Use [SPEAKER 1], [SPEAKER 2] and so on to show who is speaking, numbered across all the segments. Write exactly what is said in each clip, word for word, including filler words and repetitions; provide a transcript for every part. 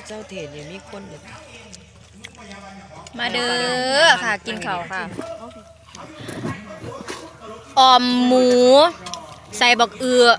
[SPEAKER 1] เจ้าเทศเนี่ยมีคน
[SPEAKER 2] มาเด้อค่ะกินข้าวค่ะออมหมูใส่บักเอือ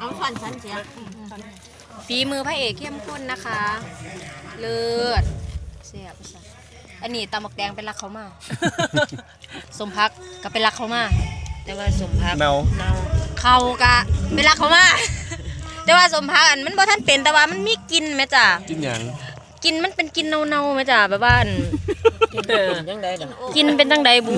[SPEAKER 2] ฝีมือพระเอกเข้มข้นนะคะเลิศเสียบอันนี้ตำบักแดงเป็นรักเขามาสมพักก็เป็นรักเขามา
[SPEAKER 1] แต่ว่าสมพัก
[SPEAKER 3] เนา
[SPEAKER 1] เนา
[SPEAKER 2] เขากะเป็นรักเขามาแต่ว่าสมพักอันมันบ่ท่านเป็นแต่ว่ามันมีกินไหมจ้ะ
[SPEAKER 3] กินอย่าง
[SPEAKER 2] กินมันเป็นกินเนาๆไหมจ้ะแบบว่า
[SPEAKER 1] กินเป็นจังใด
[SPEAKER 2] กินเป็นจังใดบู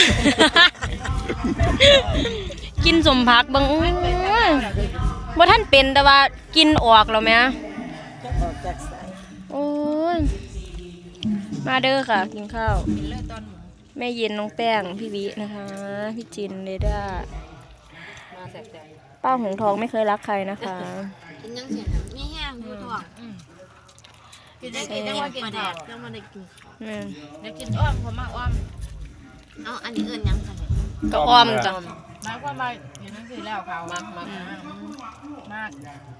[SPEAKER 2] กินสมพักบางบ่ท่านเป็นแต่ว่ากินออกแล้วไหมออกจากสายโอ้ยมาเด้อค่ะกินข้าวแม่เย็นน้องแป้งพี่วินะคะพี่จินเรด้าป้าหงทองไม่เคยรักใครนะคะ
[SPEAKER 4] กินยังเสียไม่แห้งดูทองกินได้กินได้ว่ากินแดดแล้วมันได้กินได้กินอ้อมผมมากอ้อมเอาอันนี้เอิญยังกัน
[SPEAKER 2] ก็อ้อมจ้ะ
[SPEAKER 4] มากกว่ามาอย่างนั้นคือแล้วเขามากมากมาก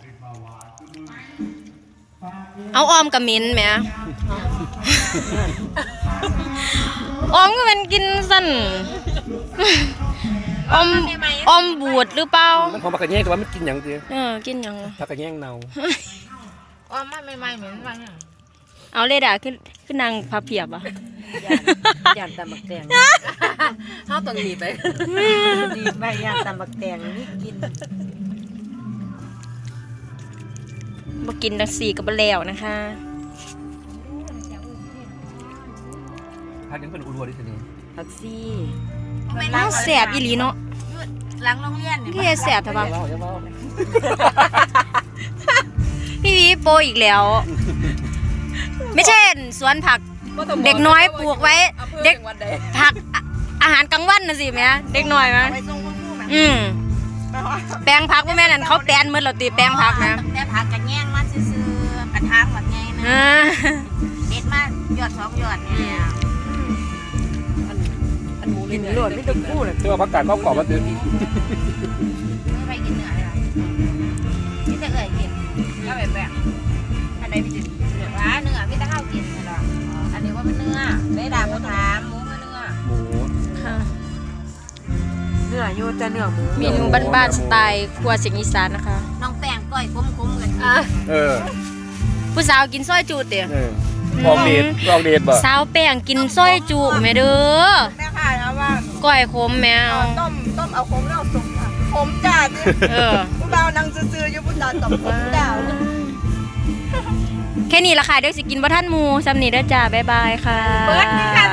[SPEAKER 2] เอาอ้อมกับมิ้นไหมอ้อมก็เป็นกินสั้นอ้อมอ้อมบูดหรือเปล่า
[SPEAKER 3] มันของผักกระแยงแต่ว่ามันกินอย่างเดียว
[SPEAKER 2] เออกินอย่าง
[SPEAKER 3] ผักกระแยงเน่า
[SPEAKER 4] อ้อมไม่ไม่เหมือนมัน
[SPEAKER 2] เอาเลยด่าขึ้นขึ้นนางพับเพียบอ่ะ
[SPEAKER 1] ยานตำบักแตงเขาต้องหนีไปหนีไปยานตำบักแตงนี่กิน
[SPEAKER 2] มากินดังสี่กับบะแล้วนะคะ
[SPEAKER 3] พักยังเป็นอุดรดิฉัน
[SPEAKER 1] ผักซี่
[SPEAKER 2] น่าแสบอีหลีเนาะ
[SPEAKER 4] หลังโรงเรียน
[SPEAKER 2] พี่แสบใช่ปะพี่วีโปอีกแล้วไม่ใช่สวนผักเด็กน้อยปลูกไว้เด็กผักอาหารกลางวันนะสิแม่เด็กน้อยมั้ยอืมแปลงผักว่าแม่นั่นเขาแปลนมือเราตีแปลงผักนะ
[SPEAKER 4] แปลงผักกระแยงมาซื้อกระทางแบบไงนะเด็ดมากยอดสองยอดเนี่ย
[SPEAKER 1] อันหมูกินหลวดไม่ต้องพูดเลย
[SPEAKER 3] เชื่อผักกาดก็กรอบมาตื่น
[SPEAKER 4] ไม่ไปกินเนื้อเลยพี่จะเอ่ยกินก็แบบแบบอันไหนพี่จะเนื้อว่าเนื้อพี่จะเข้ากินเหรออันนี้ว่ามันเนื้อไม่ด่าผู้ถามหมูเนื้อ
[SPEAKER 3] หมู
[SPEAKER 2] ค่ะ
[SPEAKER 1] เนื้อโยจะเนื้อหมู
[SPEAKER 2] เมนูบ้านๆสไตล์ครัวเสียงอีสานนะคะ
[SPEAKER 4] น้องแป้งก้อยคุ้มๆกัน
[SPEAKER 3] เออ
[SPEAKER 2] ผู้สาวกินซอยจูเตี๋ย
[SPEAKER 3] ลองเดทลองเดทบ่
[SPEAKER 2] สาวแป้งกินซอยจูแม่เด้อ
[SPEAKER 4] แม่ค่ะนะว่า
[SPEAKER 2] ก้อยขมแมว
[SPEAKER 4] ต้มต้มเอาขมแล้วสุกขมจัด
[SPEAKER 2] เออ
[SPEAKER 4] ผู้บ่าวนั่งซื่อๆอยู่ผู้สาวตบขมดาว
[SPEAKER 2] แค่นี้ละค่ะเดี๋ยวสิกินบ่ท่านหมูซ้ำนี่เด้อจ้าบ๊ายบายค่ะ
[SPEAKER 4] เบิร์ดนี่ค่ะ